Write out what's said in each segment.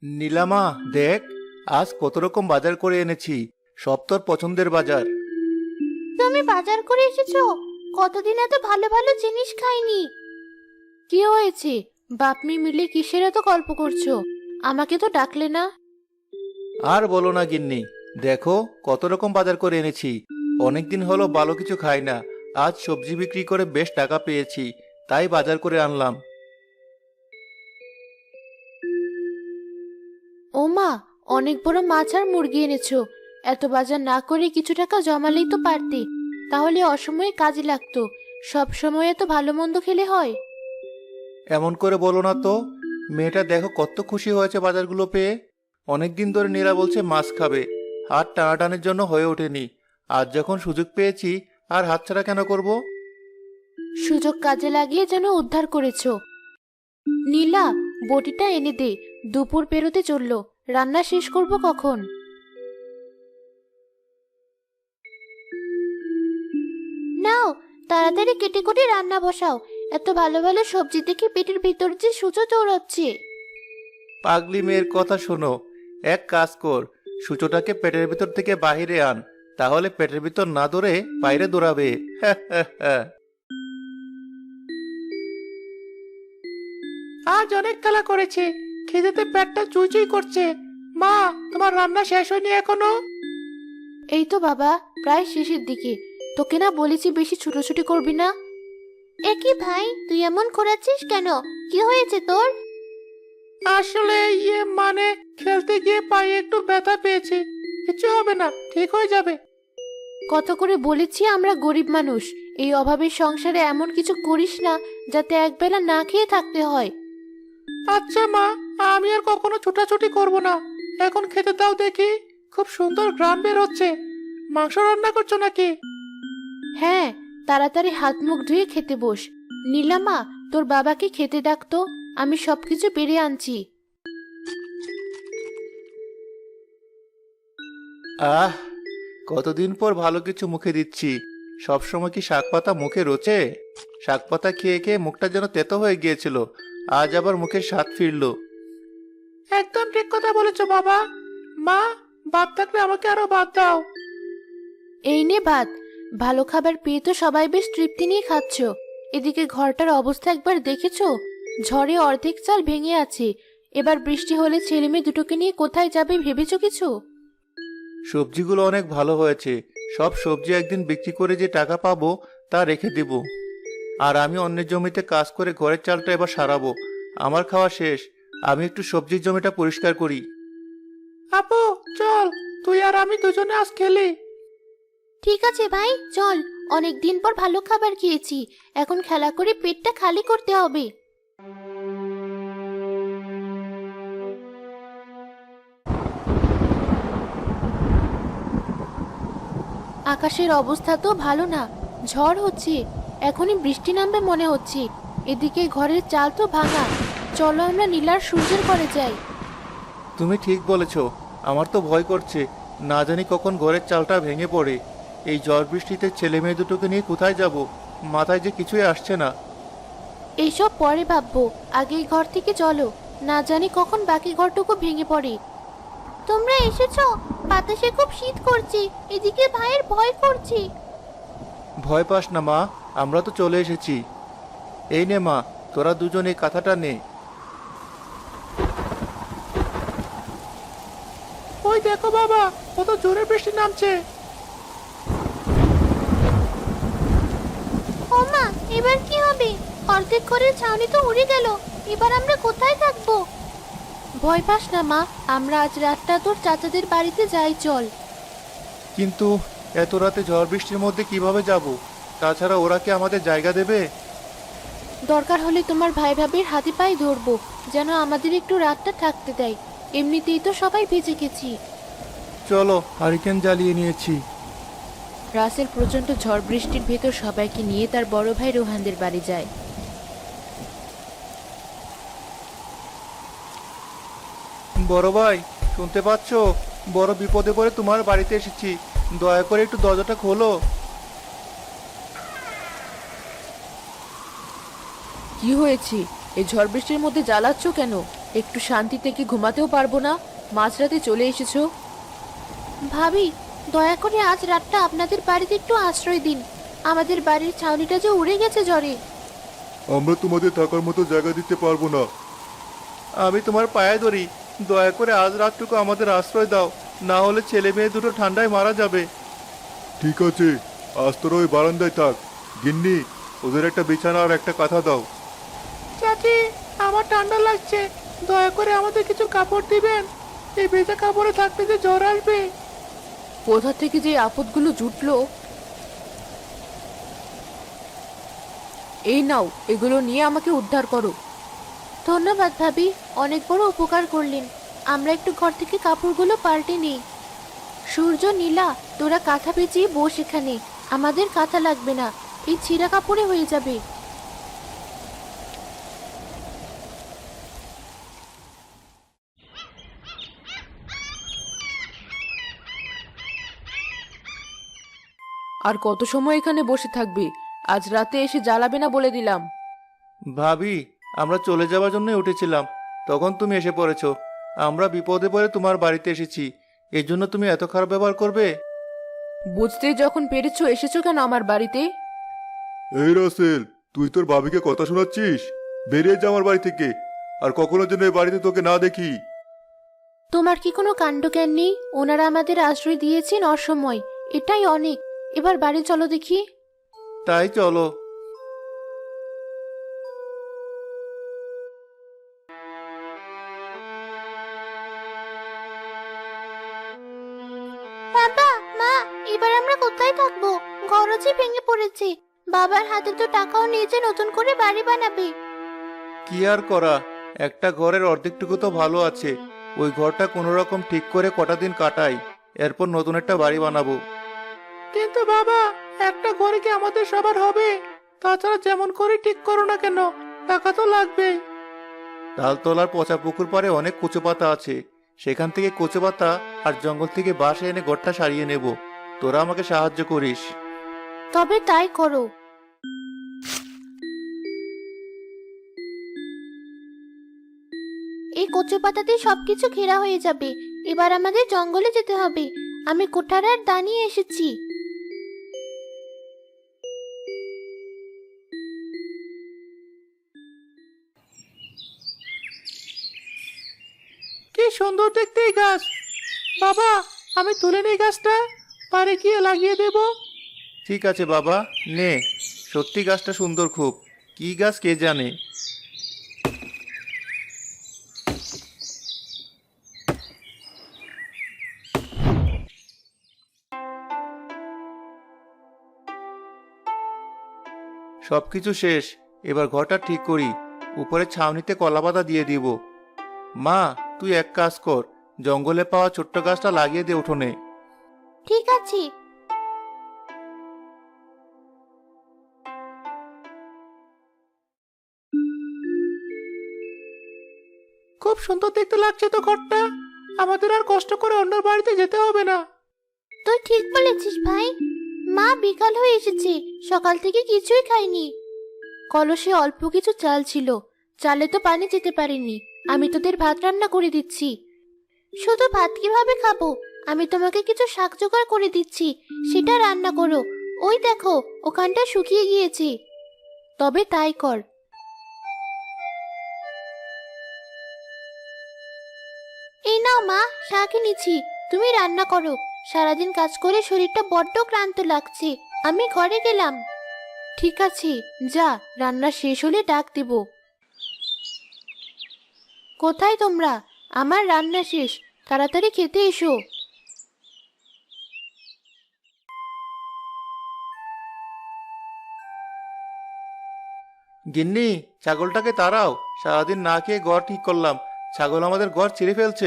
নীলামা, দেখ আজ কত রকম বাজার করে এনেছি। সব তোর পছন্দের বাজার। তুমি বাজার করে এসেছো? কতদিন এত ভালো ভালো জিনিস খাইনি। কি হয়েছে? বাপ মেয়ে মিলে কিসের এত গল্প করছো? আমাকে তো ডাকলে না। আর বলো না গিন্নি, দেখো কত রকম বাজার করে এনেছি। অনেকদিন হলো ভালো কিছু খাই না। আজ সবজি বিক্রি করে বেশ টাকা পেয়েছি, তাই বাজার করে আনলাম। ও মা, অনেক বড় মাছ আর মুরগি এনেছো। এত বাজার না করে কিছু টাকা জমালেই তো পারতে। তাহলে অসময়ে কাজে লাগতো। সব সময় এত ভালো মন্দ খেলে হয়? এমন করে বলো না তো। মেয়েটা দেখো কত খুশি হয়েছে বাজারগুলো পেয়ে। অনেকদিন ধরে নীরা বলছে মাছ খাবে, হাত টানাটানির জন্য হয়ে ওঠেনি। আজ যখন সুযোগ পেয়েছি, আর হাতছাড়া কেন করব? সুযোগ কাজে লাগিয়ে যেন উদ্ধার করেছো। নীলা, বটিটা এনে দে। দুপুর পেরোতে চললো, রান্না শেষ করব কখন? নাও, তাড়াতাড়ি কেটে কুটে রান্না বসাও। এত ভালো ভালো সবজি দেখে পেটের ভিতর যে সূচো চৌড়াচ্ছে। পাগলি মেয়ের কথা শোনো। এক কাজ কর, সূচোটাকে পেটের ভিতর থেকে বাহিরে আন, তাহলে পেটের ভিতর না দৌড়ে বাইরে দৌড়াবে। আজ অনেক খেলা করেছে, খিদেতে পেটটা চুইচুই করছে। মা, তোমার রান্না শেষ হয়নি এখনো? এই তো বাবা, প্রায় শেষের দিকে। তোকে না বলেছি বেশি ছুটোছুটি করবি না? একই ভাই, তুই এমন করাচ্ছিস কেন? কি হয়েছে তোর? আসলে মানে খেলতে গিয়ে পায়ে একটু ব্যথা পেয়েছি। কিছু হবে না, ঠিক হয়ে যাবে। কত করে বলেছি আমরা গরিব মানুষ, এই অভাবের সংসারে এমন কিছু করিস না যাতে একবেলা না খেয়ে থাকতে হয়। আচ্ছা মা, আমি আর কখনো ছোটাছুটি করব না। এখন খেতে দাও দেখি। খুব সুন্দর ঘ্রাণ বের হচ্ছে। মাংস রান্না করছো নাকি? হ্যাঁ, তাড়াতাড়ি হাত মুখ ধুয়ে খেতে বস। নীলামা, তোর বাবাকে খেতে ডাকতো, আমি সবকিছু বেড়ে আনছি। আহ, কতদিন পর ভালো কিছু মুখে দিচ্ছি। সবসময় কি শাক পাতা মুখে রোচে? শাক পাতা খেয়ে খেয়ে মুখটা যেন তেতো হয়ে গিয়েছিল। আজ আবার মুখের স্বাদ ফিরলো। একদম ঠিক কথা বলেছো বাবা। মা, ভাত থাকলে আমাকে আরো ভাত দাও। এই নে ভাত। ভালো খাবার পেয়ে তো সবাই বেশ তৃপ্তি নিয়ে খাচ্ছ। এদিকে ঘরটার অবস্থা একবার দেখেছো? ঝড়ে অর্ধেক চাল ভেঙে আছে। এবার বৃষ্টি হলে ছেলে মেয়ে দুটোকে নিয়ে কোথায় যাবে ভেবেছো কিছু? সবজিগুলো অনেক ভালো হয়েছে। সব সবজি একদিন বিক্রি করে যে টাকা পাবো তা রেখে দেব। আর আমি অন্যের জমিতে কাজ করে ঘরের চালটা এবার সারাবো। আমার খাওয়া শেষ। আমি একটু সবজির জমিটা পরিষ্কার করি। আপু, চল, তুই আর আমি দুজনে আজ খেলি। ঠিক আছে ভাই, চল। অনেক দিন পর ভালো খাবার খেয়েছি। এখন খেলা করে পেটটা খালি করতে হবে। আকাশের অবস্থা তো ভালো না। ঝড় হচ্ছে, এখনই বৃষ্টি নামবে মনে হচ্ছে। এদিকে ঘরের চাল তো ভাঙা। চলো আমরা নীলার সূর্যের ঘরে যাই। তুমি ঠিক বলেছ। আমার তো ভয় করছে, না জানি কখন ঘরের চালটা ভেঙে পড়ে। এই ঝড় বৃষ্টিতে ছেলে মেয়ে দুটোকে নিয়ে কোথায় যাব? মাথায় যে কিছুই আসছে না। এইসব পরে ভাববো, আগে এই ঘর থেকে চলো। না জানি কখন বাকি ঘরটুকু ভেঙে পড়ে। তোমরা এসেছো? বাতাসে খুব শীত করছে। এদিকে ভাইয়ের ভয় করছে। ভয় পাস না মা, আমরা তো চলে এসেছি। এই নে মা, তোরা দুজন এই কাঁথাটা নে। ওই দেখো বাবা, কত জোরে বৃষ্টি নামছে। ও মা, এবার কি হবে? অর্ধেক ঘরের ছাউনি তো উড়ে গেল। এবার আমরা কোথায় থাকবো? ভয় পাস না মা, আমরা আজ রাতটা তোর চাচাদের বাড়িতে যাই, চল। কিন্তু এত রাতে ঝড় বৃষ্টির মধ্যে কিভাবে যাব? তাছাড়া ওরা কি আমাদের জায়গা দেবে? দরকার হলে তোমার ভাই ভাবির হাতে পায়ে ধরবো, যেন আমাদের একটু রাতটা থাকতে দেয়। এমনিতেই তো সবাই ভিজে গেছি। চলো, হারিকেন জ্বালিয়ে নিয়েছি। রাসেল প্রচন্ড ঝড় বৃষ্টির ভেতর সবাইকে নিয়ে তার বড় ভাই রোহানদের বাড়ি যায়। বড় ভাই, শুনতে পাচ্ছো? বড় বিপদে পড়ে তোমার বাড়িতে এসেছি। দয়া করে একটু দরজাটা খোলো। কি হয়েছে? এই ঝড় বৃষ্টির মধ্যে জ্বালাচ্ছ কেন? একটু শান্তিতে কি ঘুমাতেও পারবো না? মাঝরাতে চলে এসেছো। ভাবি, দয়া করে আজ রাতটা আপনাদের বাড়িতে একটু আশ্রয় দিন। আমাদের বাড়ির ছাউনিটা যে উড়ে গেছে ঝড়ে। আমরা তোমাদের থাকার মতো জায়গা দিতে পারবো না। আমি তোমার পায়ে ধরি, দয়া করে আজ রাতটুকু আমাদের আশ্রয় দাও, না হলে ছেলে মেয়ে দুটো ঠান্ডায় মারা যাবে। ঠিক আছে, আজ তোরা ওই বারান্দায় থাক। গিন্নি, ওদের একটা বিছানা আর একটা কাঁথা দাও। চাচি, আমার ঠান্ডা লাগছে, দয়া করে আমাদের কিছু কাপড় দিবেন। এই ভেজা কাপড়ে থাকলে যে জ্বর আসবে। কোথা থেকে যে আপদগুলো জুটলো। এই নাও, এগুলো নিয়ে আমাকে উদ্ধার করো। ধন্যবাদ ভাবি, অনেক বড় উপকার করলেন। আমরা একটু ঘর থেকে কাপড়গুলো পাল্টে নিই। সূর্য, নীলা, তোরা কাঁথা পেঁচিয়ে বস এখানে। আমাদের কাঁথা লাগবে না, এই ছিঁড়া কাপড়ে হয়ে যাবে। আর কত সময় এখানে বসে থাকবে? আজ রাতে এসে জ্বালাবে না বলে দিলাম। ভাবি, আমরা চলে যাওয়ার জন্যই উঠেছিলাম, তখন তুমি এসে পড়েছো। আমরা বিপদে পড়ে তোমার বাড়িতে এসেছি, এর জন্য তুমি এত খারাপ ব্যবহার করবে? বুঝতেই যখন পেরেছো, এসেছো কেন আমার বাড়িতে? এই রাসেল, তুই তোর ভাবিকে কথা শোনাচ্ছিস? বেরিয়ে যা আমার বাড়ি থেকে, আর কখনো যেন এই বাড়িতে তোকে না দেখি। তোমার কি কোনো কাণ্ডজ্ঞান নেই? ওনারা আমাদের আশ্রয় দিয়েছেন অসময়, এটাই অনেক। এবার বাড়ি চলো দেখি। তাই চলো। বাবা, মা, এবার আমরা কোথায় থাকবো? ঘরও যে ভেঙে পড়েছে। বাবার হাতে তো টাকাও নিয়েছে নতুন করে বাড়ি বানাবে। কি আর করা, একটা ঘরের অর্ধেকটুকু তো ভালো আছে, ওই ঘরটা কোনো রকম ঠিক করে কটা দিন কাটাই, এরপর নতুন একটা বাড়ি বানাবো। কিন্তু বাবা, একটা ঘরে কি আমাদের সবার হবে? তাছাড়া যেমন করে ঠিক করো না কেন, টাকা তো লাগবে। তালতলার পচা পুকুর পাড়ে অনেক কচু পাতা আছে, সেখান থেকে কচু পাতা আর জঙ্গল থেকে বাঁশ এনে ঘরটা সারিয়ে নেব। তোরা আমাকে সাহায্য করিস। তবে তাই করো। এই কচু পাতাতে সবকিছু ঘেরা হয়ে যাবে। এবার আমাদের জঙ্গলে যেতে হবে। আমি কোঠার আর দা নিয়ে এসেছি। কি সুন্দর দেখতে এই গাছ। বাবা, আমি তুলে নেই গাছটা, পারে গিয়ে লাগিয়ে দেব। ঠিক আছে বাবা, নে। সত্যি গাছটা সুন্দর খুব, কি গাছ কে জানে। সবকিছু শেষ, এবার ঘরটা ঠিক করি। উপরে ছাউনিতে কলাপাতা দিয়ে দিব। মা, তুই এক কাজ কর, জঙ্গলে পাওয়া ছোট্ট গাছটা লাগিয়ে দে উঠোনে। ঠিক আছে। খুব সুন্দর দেখতে লাগছে তো ঘরটা, আমাদের আর কষ্ট করে অন্য বাড়িতে যেতে হবে না। তুই ঠিক বলেছিস ভাই। মা, বিকাল হয়ে এসেছে, সকাল থেকে কিছুই খাইনি। কলসে অল্প কিছু চাল ছিল, চালে তো পানি যেতে পারেনি। আমি তোদের ভাত রান্না করে দিচ্ছি। শুধু ভাত কিভাবে খাবো? আমি তোমাকে কিছু শাক জোগাড় করে দিচ্ছি, সেটা রান্না করো। ওই দেখো, ওখানটা শুকিয়ে গিয়েছে। তবে তাই কর। এই নাও মা, শাক এনেছি, তুমি রান্না করো। সারাদিন কাজ করে শরীরটা বড্ড ক্লান্ত লাগছে। আমি ঘরে গেলাম। ঠিক আছে, যা, রান্না শেষ হলে ডাক দেব। কোথায় তোমরা? আমার রান্না শেষ, তাড়াতাড়ি খেতে এসো। গিন্নি, ছাগলটাকে তাড়াও, সারাদিন না খেয়ে ঘর ঠিক করলাম, ছাগল আমাদের ঘর ছিঁড়ে ফেলছে।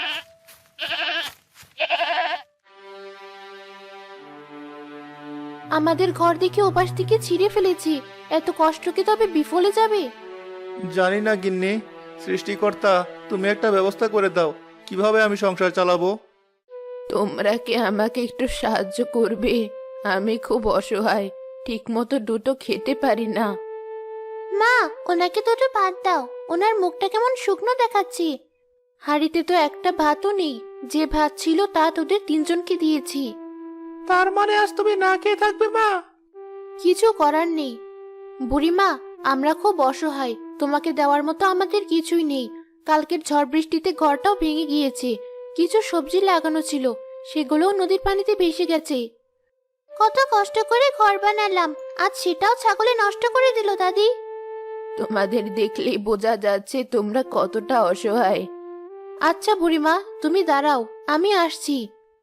আমাদের ঘর দেখে ওপাশ থেকে ছিঁড়ে ফেলেছি। এত কষ্ট কি তবে বিফলে যাবে? জানি না গিন্নি, সৃষ্টিকর্তা তুমি একটা ব্যবস্থা করে দাও, কিভাবে আমি সংসার চালাবো। তোমরা কি আমাকে একটু সাহায্য করবে? আমি খুব অসহায়, ঠিক মতো দুটো খেতে পারি না। মা, ওনাকে দুটো ভাত দাও, ওনার মুখটা কেমন শুকনো দেখাচ্ছে। হাঁড়িতে তো একটা ভাতও নেই, যে ভাত ছিল তা তোদের তিনজনকে দিয়েছি। তার মানে আজ তুমি না খেয়ে থাকবে মা? কিছু করার নেই বুড়িমা, আমরা খুব অসহায়, তোমাকে দেওয়ার মতো আমাদের কিছুই নেই। কালকের ঝড় বৃষ্টিতে ঘরটাও ভেঙে গিয়েছে, কিছু সবজি লাগানো ছিল, সেগুলোও নদীর পানিতে ভেসে গেছে। কত কষ্ট করে ঘর বানালাম, আজ সেটাও ছাগলে নষ্ট করে দিল দাদি। তোমাদের দেখলেই বোঝা যাচ্ছে তোমরা কতটা অসহায়। আচ্ছা বুড়িমা, তুমি দাঁড়াও, আমি আসছি।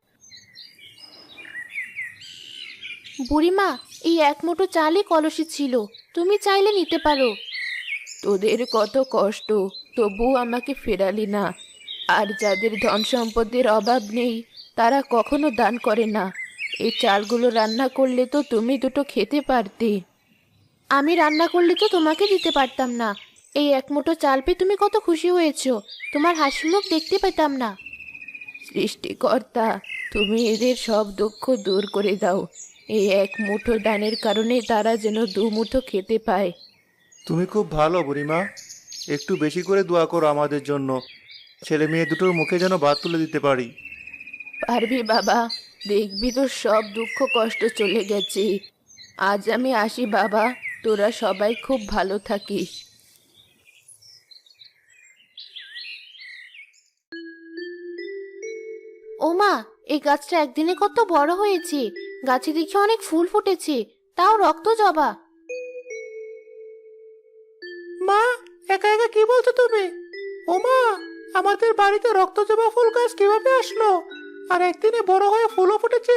বুড়িমা, এই এক মুঠো চালই কলসি ছিল, তুমি চাইলে নিতে পারো। তোদের কত কষ্ট, তবু আমাকে ফেরালি না। আর যাদের ধন সম্পদের অভাব নেই তারা কখনো দান করে না। এই চালগুলো রান্না করলে তো তুমি দুটো খেতে পারতে। আমি রান্না করলে তো তোমাকে দিতে পারতাম না। এই এক মুঠো চাল পেয়ে তুমি কত খুশি হয়েছো, তোমার হাসি মুখ দেখতে পেতাম না। সৃষ্টিকর্তা, তুমি এদের সব দুঃখ দূর করে দাও। এই এক মুঠো দানের কারণে তারা যেন দু মুঠো খেতে পায়। তুমি খুব ভালো বুড়িমা, একটু বেশি করে দোয়া করো আমাদের জন্য, ছেলে মেয়ে দুটোর মুখে যেন ভাত তুলে দিতে পারি। পারবি বাবা, দেখবি তো সব দুঃখ কষ্ট চলে গেছে। আজ আমি আসি বাবা, তোরা সবাই খুব ভালো থাকিস। ওমা, এই গাছটা একদিনে কত বড় হয়েছে, গাছে দেখি অনেক ফুল ফুটেছে, তাও রক্ত জবা। মা, একা একা কি বলছো তুমি? ও মা, আমাদের বাড়িতে রক্তজবা ফুল গাছ কিভাবে আসলো? আর একদিনে বড় হয়ে ফুলও ফুটেছে?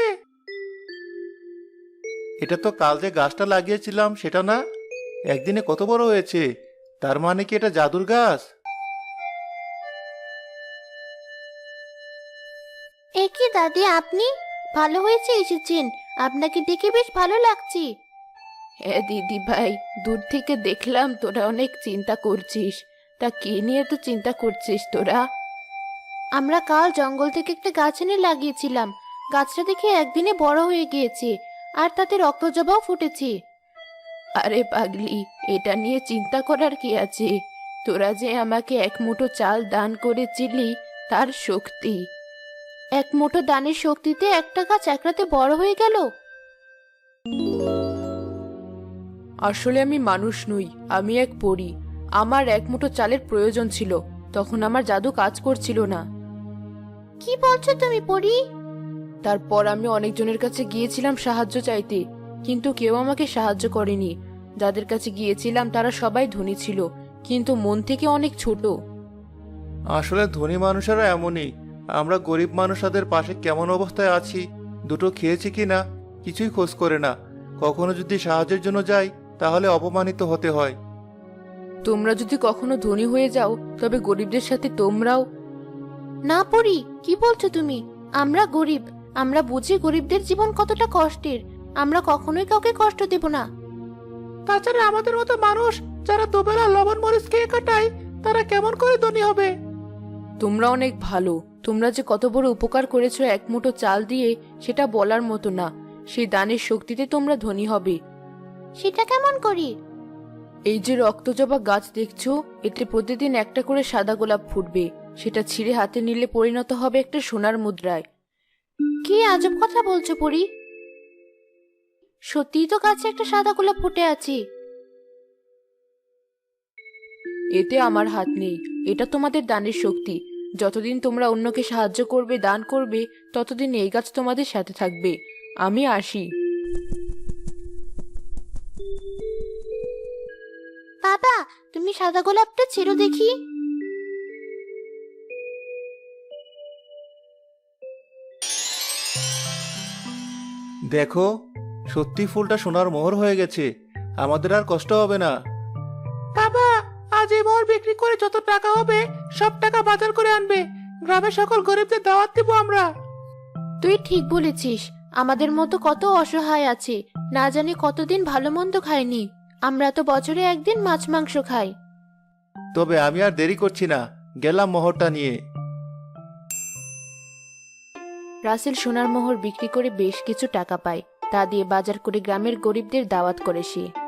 এটা তো কাল যে গাছটা লাগিয়েছিলাম সেটা না? একদিনে কত বড় হয়েছে? তার মানে কি এটা জাদুর গাছ? এ কি দাদি, আপনি? ভালো হয়েছে এসেছেন, আপনাকে দেখে বেশ ভালো লাগছে। হ্যাঁ দিদি ভাই, দূর থেকে দেখলাম তোরা অনেক চিন্তা করছিস। তা কি নিয়ে তো চিন্তা করছিস তোরা? আমরা কাল জঙ্গল থেকে একটা গাছ এনে লাগিয়েছিলাম, গাছটা দেখে একদিনে বড় হয়ে গিয়েছে, আর তাতে রক্তজবাও ফুটেছে। আরে পাগলি, এটা নিয়ে চিন্তা করার কি আছে? তোরা যে আমাকে এক মুঠো চাল দান করেছিলি, তার শক্তি। এক মুঠো দানের শক্তিতে একটা গাছ এক রাতে বড় হয়ে গেল। আসলে আমি মানুষ নই, আমি এক পরী। আমার এক মুঠো চালের প্রয়োজন ছিল, তখন আমার জাদু কাজ করছিল না। কি বলছো তুমি পরী? তারপর আমি অনেকজনের কাছে গিয়েছিলাম সাহায্য চাইতে, কিন্তু কেউ আমাকে সাহায্য করেনি। যাদের কাছে গিয়েছিলাম তারা সবাই ধনী ছিল, কিন্তু মন থেকে অনেক ছোট। আসলে ধনী মানুষেরা এমনই, আমরা গরিব মানুষদের পাশে কেমন অবস্থায় আছি, দুটো খেয়েছি কি না কিছুই খোঁজ করে না। কখনো যদি সাহায্যের জন্য যাই তাহলে অপমানিত হতে হয়। তোমরা যদি কখনো ধনী হয়ে যাও তবে গরিবদের সাথে তোমরাও। না পড়ি, কি বলছো তুমি? আমরা গরিব, আমরা বুঝি গরিবদের জীবন কতটা কষ্টের, আমরা কখনোই কাউকে কষ্ট দেব না। তাছাড়া আমাদের মতো মানুষ যারা দুবেলা লবণ মরিচ খেয়ে কাটায়, তারা কেমন করে ধনী হবে? তোমরা অনেক ভালো, তোমরা যে কত বড় উপকার করেছো এক মুঠো চাল দিয়ে, সেটা বলার মতো না। সেই দানের শক্তিতে তোমরা ধনী হবে। সেটা কেমন করি? এই যে রক্তজবা গাছ দেখছো, এতে প্রতিদিন একটা করে সাদা গোলাপ ফুটবে, সেটা ছিঁড়ে হাতে নিলে পরিণত হবে একটা সোনার মুদ্রায়। কি আজব কথা বলছো পরি? সত্যিই তো গাছে একটা সাদা গোলাপ ফুটে আছে। এতে আমার হাত নেই, এটা তোমাদের দানের শক্তি। যতদিন তোমরা অন্যকে সাহায্য করবে, দান করবে, ততদিন এই গাছ তোমাদের সাথে থাকবে। আমি আসি। বাবা, তুমি সাদা গোলাপটা ছেড়ো দেখি। দেখো, সত্যি ফুলটা সোনার মোহর হয়ে গেছে, আমাদের আর কষ্ট হবে না। বাবা, আজ এই মোহর বিক্রি করে যত টাকা হবে সব টাকা বাজার করে আনবে, গ্রামের সকল গরিবদের দাওয়াত দিব আমরা। তুই ঠিক বলেছিস, আমাদের মতো কত অসহায় আছে, না জানি কতদিন ভালো মন্দ খায়নি। আমরা তো বছরে একদিন মাছ মাংস খাই। তবে আমি আর দেরি করছি না, গেলাম মোহরটা নিয়ে। রাসেল সোনার মোহর বিক্রি করে বেশ কিছু টাকা পায়, তা দিয়ে বাজার করে গ্রামের গরিবদের দাওয়াত করে সে।